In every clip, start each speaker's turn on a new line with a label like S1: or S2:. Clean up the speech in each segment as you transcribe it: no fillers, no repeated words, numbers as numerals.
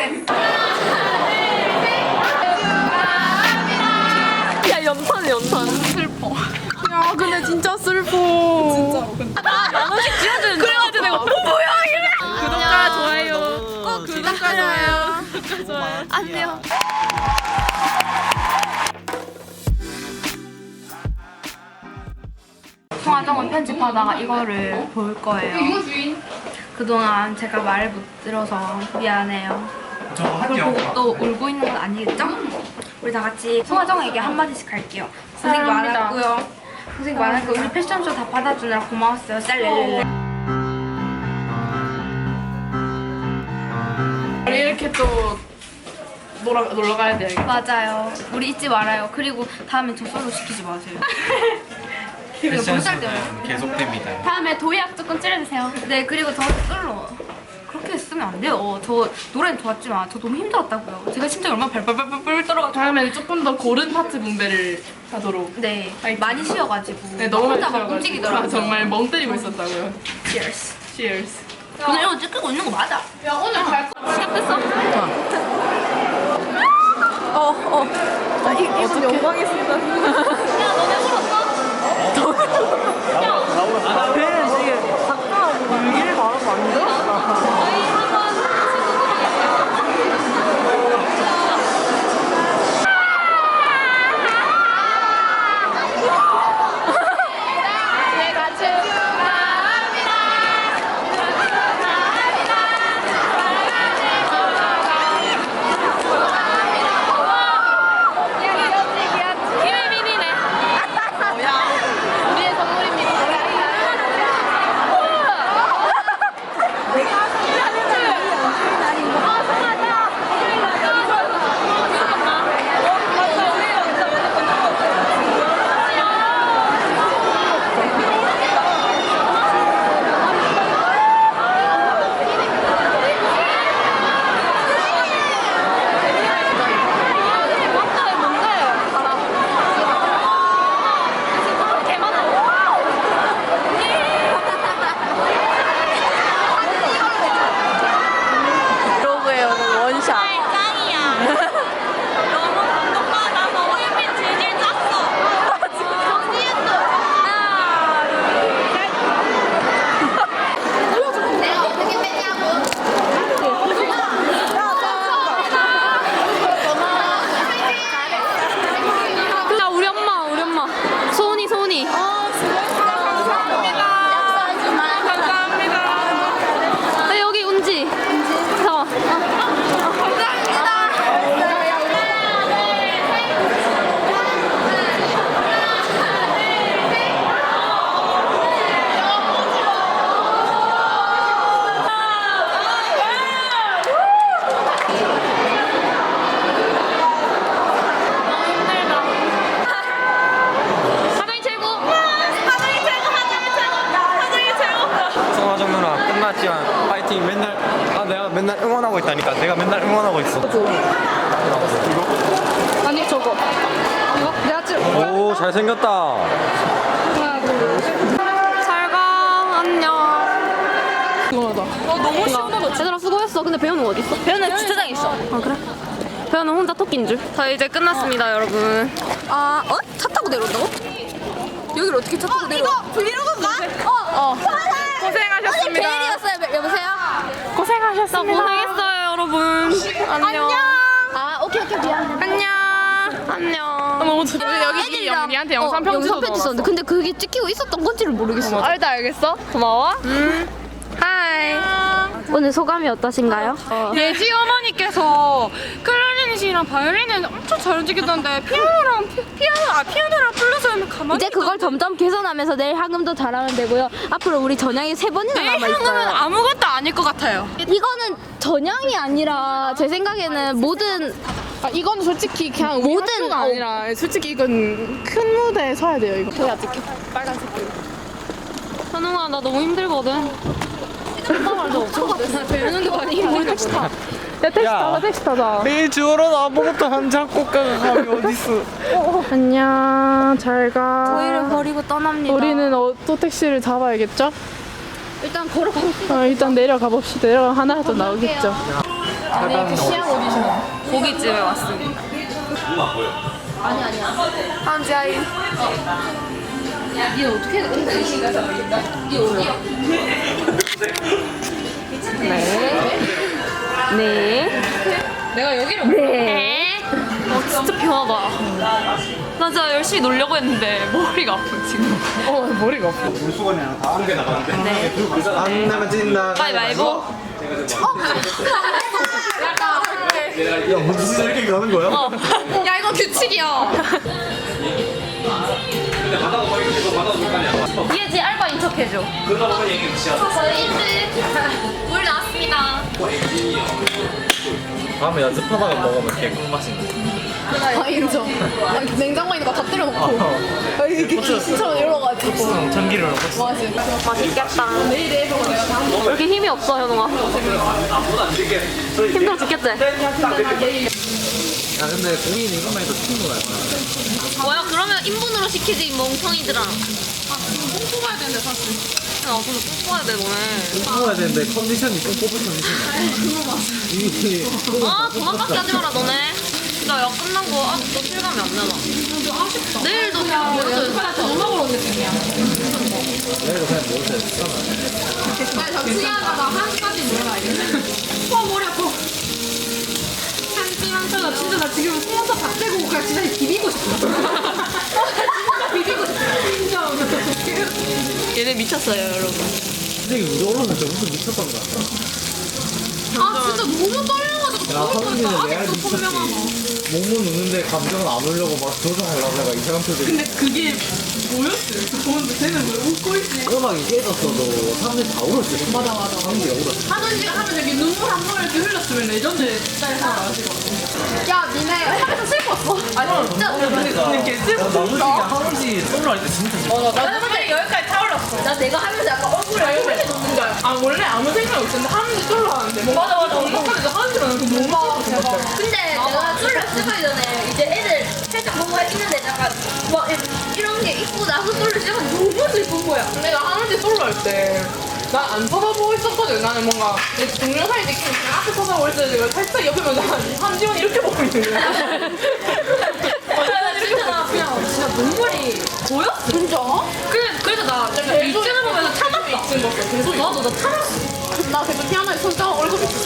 S1: 야 연탄 슬퍼.
S2: 야 근데 진짜 슬퍼.
S1: 진짜로. 만 원씩 지어주는. 그래가지고 내가 뭐야 이래.
S2: 구독과 좋아요. 꼭 구독과 좋아요.
S1: 안녕.
S3: 통화정원 편집하다가 이거를 볼 거예요. 그동안 제가 말을 못 들어서 미안해요. 그걸 보고 또 울고 있는 건 아니겠죠? 우리 다 같이 송하정에게 한마디씩 할게요. 고생 많았고요. 고생 많았고 우리 패션쇼 다 받아주느라 고마웠어요. 쌀렐렐레.
S2: 우리 이렇게 또 놀러 가야 돼요.
S3: 맞아요. 우리 잊지 말아요. 그리고 다음엔 저 솔로 시키지 마세요.
S4: 패션쇼는 계속됩니다.
S1: 다음에 도예학 조금 찌르주세요.
S3: 네, 그리고 저 솔로 그렇게 쓰면 안 돼요. 저 노래는 좋았지만 저 너무 힘들었다고요. 제가 심장이 얼마나 발발발발 떨어가지고.
S2: 다음에는 조금 더 고른 파트 분배를 하도록.
S3: 네,
S2: 파이팅.
S3: 많이 쉬어가지고.
S2: 네, 너무 많이
S3: 혼자 막
S2: 쉬어가지고.
S3: 움직이더라고요.
S2: 정말 멍 때리고 있었다고요.
S3: Cheers.
S2: Cheers.
S3: 근데 이거 찍히고 있는 거 맞아?
S2: 야 오늘 갈 거.
S1: 시작됐어?
S2: 이분 영광이었습니다.
S1: 야 너네 울었어?
S5: 배는 지금 작가하고 일기를 바라고 만들었다.
S4: 송하정 누나 끝났지만 파이팅. 맨날 내가 맨날 응원하고 있다니까. 내가 맨날 응원하고 있어.
S2: 아니 저거. 이거 내가 찍.
S4: 오 잘생겼다.
S1: 잘가 안녕.
S2: 궁금하다.
S1: 너무 시원하다. 얘들아 수고했어. 근데 배우는 어디 있어?
S3: 배우는 주차장에 있어.
S1: 아 그래? 배우는 혼자 토끼인 줄. 자 이제 끝났습니다 여러분.
S3: 아, 어? 차 타고 내려온다고? 여기를 어떻게 차 타고 내려? 이거 브이로그인가?
S1: 고생하셨습니다.
S3: 베일이었어요. 여보세요?
S1: 고생하셨습니다. 고생했어요 여러분. 안녕.
S3: 아, 오케이 미안해.
S1: 안녕.
S2: 너무 좋. 여기 영리한테 영상 편지
S3: 썼는데 근데 그게 찍히고 있었던 건지를 모르겠어.
S1: 알겠어. 고마워. 하이. 오늘 소감이 어떠신가요?
S2: 예지 어머니께서 클라리넷 씨랑 바이올린을 엄청 잘 움직이던데 피아노랑 플루스 하면 가만히
S3: 이제 그걸 점점 개선하면서 내일 학음도 잘하면 되고요. 앞으로 우리 전향이 3번이나
S2: 내일
S3: 남아있어요.
S2: 향은 아무것도 아닐 것 같아요.
S3: 이거는 전향이 아니라 제 생각에는 모든
S2: 이건 솔직히 그냥
S3: 모든
S2: 학교가 아니라 솔직히 이건 큰 무대에 서야 돼요. 이거 보야 찍혀.
S1: 현웅아 나 너무 힘들거든.
S3: 배우는 게 많이 힘들겠어.
S2: 야 택시 타자.
S4: 매일 주워는 아무것도 한 작곡가가 감이 어딨어.
S2: 안녕 잘가.
S3: 저희를 버리고 떠납니다.
S2: 우리는 또 택시를 잡아야겠죠?
S3: 일단 걸어가봅시다.
S2: 일단 내려가 봅시다. 내려가 하나 더 나오겠죠. 아니 그 시향 오디션.
S1: 고깃집에 왔습니다. 한지아이.
S3: 니 어떻게 해? 니 어디야?
S1: 네.
S2: 내가 여기를
S1: 네. 진짜 편하다. 나 진짜 열심히 놀려고 했는데 머리가 아파 지금.
S2: 머리가 아파.
S4: 물수건이랑 다 옮겨 나가는데.
S1: 네.
S4: 안 나면 진다.
S1: 가위바위보.
S4: 야 무슨 이렇게 가는 거야?
S2: 야 이거 규칙이야.
S1: 예지 알바인 척 해줘. 저희 일찍 물 나왔습니다.
S4: 다음에 연습하다가 먹으면 개꿀맛인데.
S2: 아 인정. 아, 냉장고에 있는 거 다 때려놓고. 아, 이렇게 김치처럼 열어가지고.
S4: 참기름 넣고.
S2: 맞아.
S1: 맛있겠다. 왜 이렇게 힘이 없어 현웅아? 힘들어 죽겠지?
S4: 야 근데 고기는 이것만 해도 튀는 거야.
S1: 뭐야 그러면 인분으로 시키지 멍청이들아.
S2: 뽕 뽑아야 되는데 사실.
S1: 야 근데 꼭 뽑아야 돼 너네.
S4: 뽑아야 되는데 컨디션이 좀 뽑을 컨디션이. 이게
S1: 아 도망가게 하지 마라 너네. 나 야 끝나고 아직도 실감이 안 나나.
S2: 아쉽다.
S1: 내일도
S2: 오늘
S1: 모르겠어.
S2: 저녁 먹으러 온 느낌이야.
S4: 내가 그냥 먹을 때 쓰잖아.
S2: 나 잠시하다가 1시까지 놀아라 이게. 와 머리 아파. 나 진짜 나 지금 속눈썹 다 떼고 그냥 진짜 비비고 싶어. 진짜 비비고 싶어. 진짜.
S1: 얘네 미쳤어요 여러분.
S4: 선생님 우리 올라오는데 무슨 미쳤던가.
S2: 아 진짜 너무 떨려가지고.
S4: 야 하민이는 레알
S2: 아직도 선명하고.
S4: 미쳤던가. 몸은 웃는데 감정은 안 울려고 막 조정하려고 내가 이상한 표정.
S2: 근데 그게 뭐였어요? 그 보는데 쟤는 왜 웃고 있지?
S4: 음악이 깨졌어도 사람들이 다 울었을 거야.
S2: 맞아.
S4: 사람들이 울었어.
S2: 하는지가 하면 여기 눈물 한 번 이렇게 흘렸으면 레전드 스타일 하나 아시고. 야 니네 하면서 슬펐어? 아니 진짜.
S4: 이렇게 나머지가 하는지 솔로 할 때 진짜
S2: 나도 근데 여기까지 타올랐어.
S3: 나 내가 하면서 약간 얼굴에
S2: 원래 녹는 거야. 아 원래 아무 생각 없었는데 하는지 솔로 하는데 뭔가 맞아 정막하면서 하는지 나는 너무 대박.
S3: 근데 내가 솔로 시작하기 전에 이제 애들 살짝 보고 했는데 약간 와 이런 게 입고 나서 솔로 시작하면 너무 예쁜 거야.
S2: 내가 하는지 솔로 할 때. 난 안 쳐다보고 있었거든. 나는 뭔가 내 동영상이 느끼는 그냥 앞에 쳐다보고 있었는데 내가 살짝 옆에 보면 한지원 이렇게 보고 있는 거야. 나 진짜 그냥 진짜 눈물이 보였어. 진짜? 그래서 나 약간 일진을 보면서 참았다. 일진 봤어. 계속 나도 나 참았어. 나 계속 피아노에 손 잡아 얼굴 비쳤어.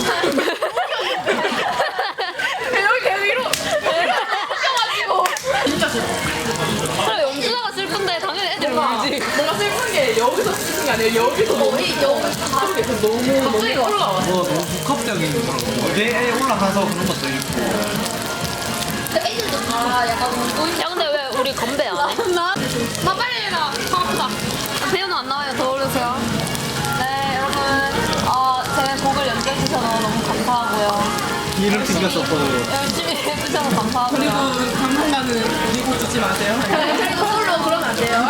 S2: 여기 계속 이러. 웃겨가지고. 진짜 슬퍼.
S1: 그래 영준아가 슬픈데 당연히 애들 울지.
S2: 뭔가 슬픈 게 여기서 슬픈 게 아니라 여기서 너무 그래서 너무 올라와.
S4: 뭐 너무 복합적인 그런 거. 뇌에 올라가서 그런 것도 있고.
S3: 애들도 다 약간 웃고 있는
S1: 야 근데 왜 우리 건배 안 해?
S2: 나 빨리 해라. 아프다.
S1: 배우는 안 나와요. 더 오르세요. 네 여러분 제 곡을 연주해 주셔서 너무 감사하고요.
S4: 이름 튕겼었거든요.
S1: 열심히 해주셔서 감사하고요.
S2: 그리고 당분간은 미국 듣지 마세요.
S3: 그리고 솔로 그러면 안 돼요.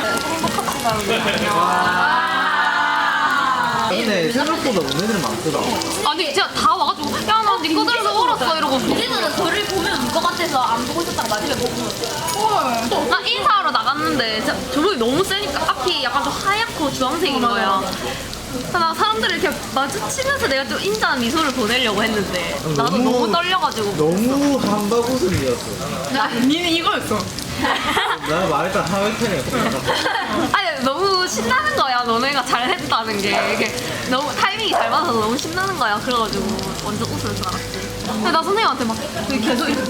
S4: 근데 생각보다 온 애들 많더라.
S1: 아니 진짜 다 와가지고 야나네 거 들어서 울었어 이러고
S3: 우리는 저를 보면 울 것 같아서 안 보고 있었다가 마지막에 보고
S1: 나 인사하러 나갔는데 진짜 조명이 너무 세니까 앞이 약간 좀 하얗고 주황색인 거야. 나 사람들을 이렇게 마주치면서 내가 좀 인자한 미소를 보내려고 했는데 나도 너무 떨려가지고
S4: 너무 한바구음이었어.
S2: 니는 이거였어.
S4: 내가 말했던 하회팬이었어.
S1: 아니 너무 신나는 거야. 너네가 잘했다는 게 이게 너무 타이밍이 잘 맞아서 너무 신나는 거야. 그래가지고 완전 웃을 줄 알았지. 근데 나 선생님한테 막 계속 이렇게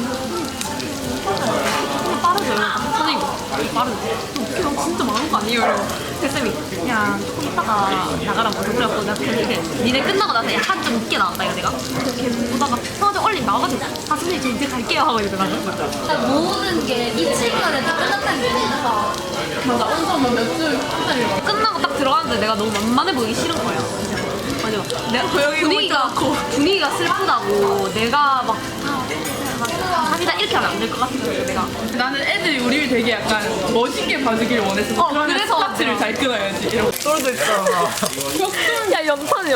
S1: 빠르죠. 선생님 빠르죠. 웃기면 진짜 많은 거 아니에요? 이러고 쌤이 야 조금 있다가 나가라고 그래갖고 내가 이렇게 니네 끝나고 나서 약간 좀 웃게 나왔다 이거 내가 이렇게 보다가 형한테 얼른 나와가지고 아 선생님 저 이제 갈게요 하고 이러더라고.
S3: 모든 게 미치기만 다 끝났다는 게 진짜
S2: 맞아. 온서만 몇주 기다리고.
S1: 끝나고 딱 들어갔는데 내가 너무 만만해 보이기 싫은 거야. 맞아. 내가 분위기가 슬프다고 내가 막 감사합니다 이렇게 하면 안 될 것 같아서 내가
S2: 나는 애들이 우리를 되게 약간 멋있게 봐주길 원했어. 그러면
S1: 그래서
S2: 스타트를 잘 끊어야지. 이러고.
S4: 떨어져 있잖아.
S1: 야 연탄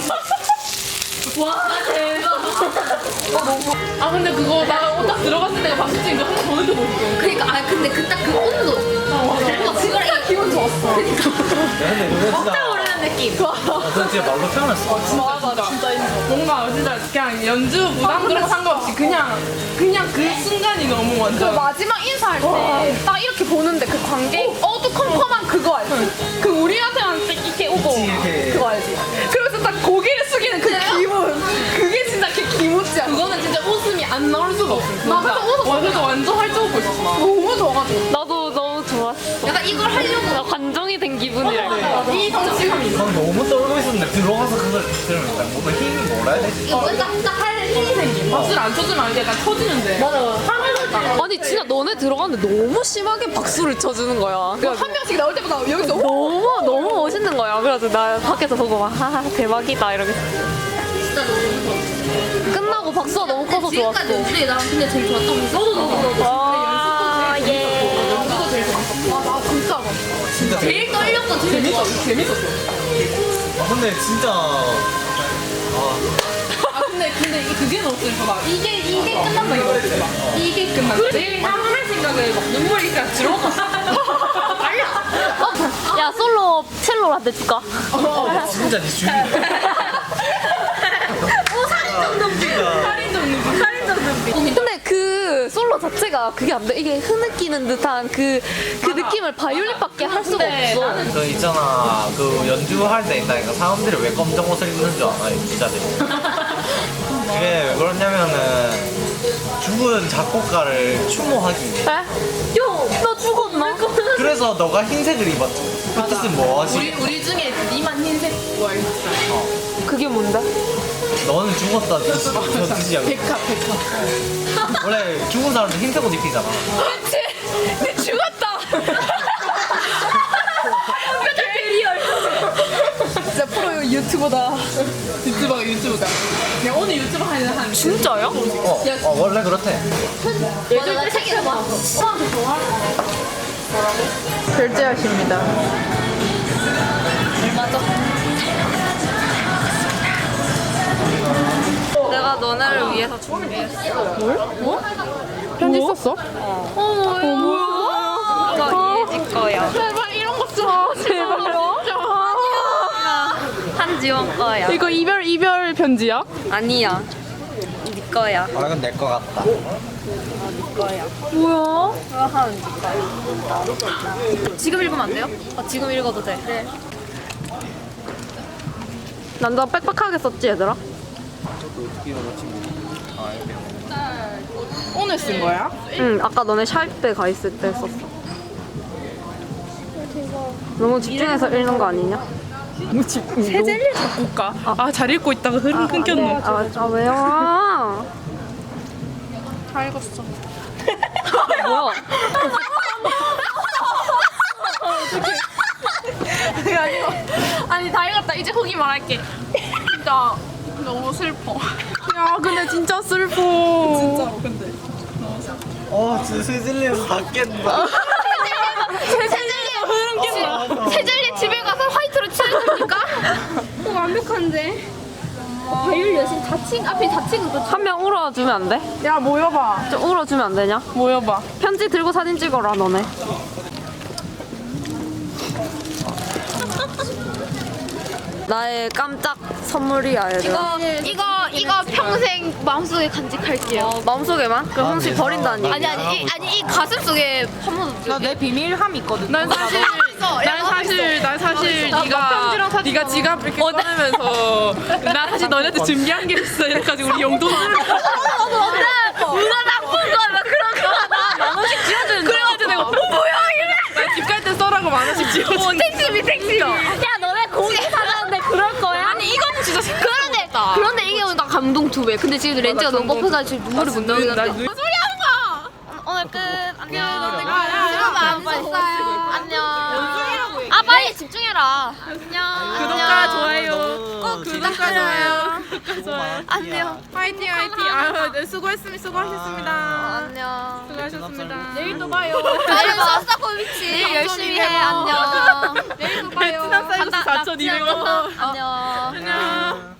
S2: 와 대박. 아 근데 그거 나 옷 딱 들어갔을 때 박수 치는 거 한 번 더 느껴보고.
S3: 그러니까 아 근데 그 딱 그 온도
S2: 그거랑 기분 좋았어.
S4: 근데 그거 진짜
S3: 깜짝 놀랐는데
S1: 이런 느낌.
S4: 너 진짜 말로 태어났어.
S2: 맞아 진짜 뭔가 진짜 그냥 연주 부담 그런 거 상관없이 그냥 그 순간이 너무 완전
S3: 마지막 인사할 때 딱 이렇게 보는데 그 관객 어두컴컴한 그거 알지? 그 우리한테만 이렇게 오고
S4: 이렇게.
S3: 그거 알지? 그래서 딱 고개를 숙이는 그 기분 그게 진짜 기모찌야.
S2: 그거는 진짜 웃음이 안 나올 수가 없어.
S3: 나 그래서 웃었어.
S2: 완전 활짝 웃고 있었어. 나.
S3: 너무 좋아가지고.
S5: 나도 너무 좋았어.
S1: 약간 이걸 하려고
S5: 나 관종이 된 기분이랄까.
S3: 이 성취감이.
S4: 난 너무 떨고 있었는데 들어가서 그걸 들으면 일단 뭔가 힘이 뭐라 해야 되지?
S1: 이거 딱 할 힘이 생긴.
S2: 박수를 안 쳐주면 안 돼. 약간 쳐지는데.
S5: 아니 진짜 너네 들어갔는데 너무 심하게 박수를 쳐주는 거야.
S3: 한 명씩 나올 때마다 여기서
S5: 너무 멋있는 거야. 그래서 나 밖에서 보고 막 하하 대박이다 이러겠어.
S1: 진짜 너무
S5: 끝나고 박수가 너무 커서 좋았어.
S1: 지금까지 연주에 나랑 근데 제일 좋았던 거. 너도.
S5: 아 예.
S3: 아 진짜
S4: 진짜
S1: 제일 떨렸고 제일 좋았어.
S2: 재밌었어.
S4: 근데 진짜
S2: 아 근데 이게 그게 너무 슬퍼. 막 이게 끝난다 이거지. 막 이게 끝난다. 제일 향할 생각에 막 눈물이 그냥 들어갔어.
S5: 야 솔로 첼로한테 줄까?
S4: 진짜 네 주인.
S5: 근데 그 솔로 자체가 그게 안 돼. 이게 흐느끼는 듯한 그 느낌을 바이올린밖에 할 수가 없어.
S4: 그 있잖아 그 연주할 때 있다니까 사람들이 왜 검정 옷을 입는 줄 알아 기자들이. 그게 왜 그러냐면은 죽은 작곡가를 추모하기 위해.
S5: 너 죽었나?
S4: 그래서 너가 흰색을 입었지. 그 뜻은 뭐지?
S2: 우리 중에 니만 흰색 뭐 있어.
S5: 그게 뭔데?
S4: 너는 죽었다 저 뜻이야.
S2: 백합.
S4: 원래 죽은 사람들 흰색 옷 입히잖아.
S5: 그치? 죽었다!
S3: 진짜 프로 유튜버다.
S2: 유튜브가. 그냥 오늘 유튜브 하는 한.
S5: 진짜요?
S4: 원래 그렇대.
S1: 맞아, 나 책에서 봤어.
S3: 결제하십니다.
S5: 내가 너네를 위해서 준비했어.
S3: 편지 썼어?
S5: 이거 이해질 거야.
S3: 제발 이런 거 써. 제발요.
S5: 한지원 거야.
S3: 이거 이별 편지야?
S5: 아니야. 네 거야.
S4: 아 이건 내 거 같다.
S5: 뭐야? 이거 하면 네 거야. 지금 읽으면 안 돼요? 지금 읽어도 돼. 네. 난너 빽빽하게 썼지 얘들아?
S2: 오늘 쓴 거야?
S5: 응, 아까 너네 샤입 때 가 있을 때 썼어. 너무 집중해서 읽는 거 아니냐?
S2: 세젤리 작곡가. 잘 읽고 있다가 흐름 끊겼노.
S5: 왜요?
S3: 다 읽었어.
S5: 뭐야?
S3: 아니 다 읽었다. 이제 후기 말할게. 진짜 너무 슬퍼. 야 근데 진짜 슬퍼.
S2: 진짜로 근데.
S4: 진짜 세질리에서 다 깬다.
S1: 세젤리 집에 가서 화이트로 칠해도 됩니까? 완벽한데. 바이올 여신 앞에 자칭은 또
S5: 한 명 울어주면 안 돼?
S3: 야 모여봐.
S5: 좀 울어주면 안 되냐?
S3: 모여봐.
S5: 편지 들고 사진 찍어라 너네. 나의 깜짝 선물이야 얘들아.
S1: 이거 평생 마음속에 간직할게요.
S5: 마음속에만? 그럼 홍시 버린다니.
S1: 아니 이 가슴 속에 한 번도
S2: 내 비밀함 있거든.
S3: 난 사실 네가 지갑 이렇게 꺼내면서 나 사실 너네한테 준비한 게 있어. 이래가지고 우리 용돈
S1: 누가 나쁜 거야 나 그런 거
S5: 만 원씩 지어주는
S3: 그래가지고 내가 뭐야 이래. 나 집 갈 때 써라고 만 원씩 지어줘.
S1: 택시비. 야 너네 고기 사가는데 그럴 거야?
S3: 아니 이건 진짜
S1: 그런데 이게 나 감동 2배. 근데 지금 렌즈가 너무 뻑뻑해가지고 눈물이 못 나오긴 한다.
S3: 소리 하는 거.
S1: 오늘 끝. 안녕.
S3: 야,
S1: 안녕. 아 빨리 집중해라. 안녕.
S3: 구독과 좋아요. 꼭 구독과 좋아요.
S1: 안녕.
S3: 화이팅 화이팅. 네, 수고하셨습니다.
S1: 안녕.
S3: 수고하셨습니다.
S2: 내일도 봐요.
S1: 내일 써 고미치. 내일 열심히 해. 안녕.
S3: 베트남 쌀국수 4,200원.
S1: 안녕.
S3: 안녕.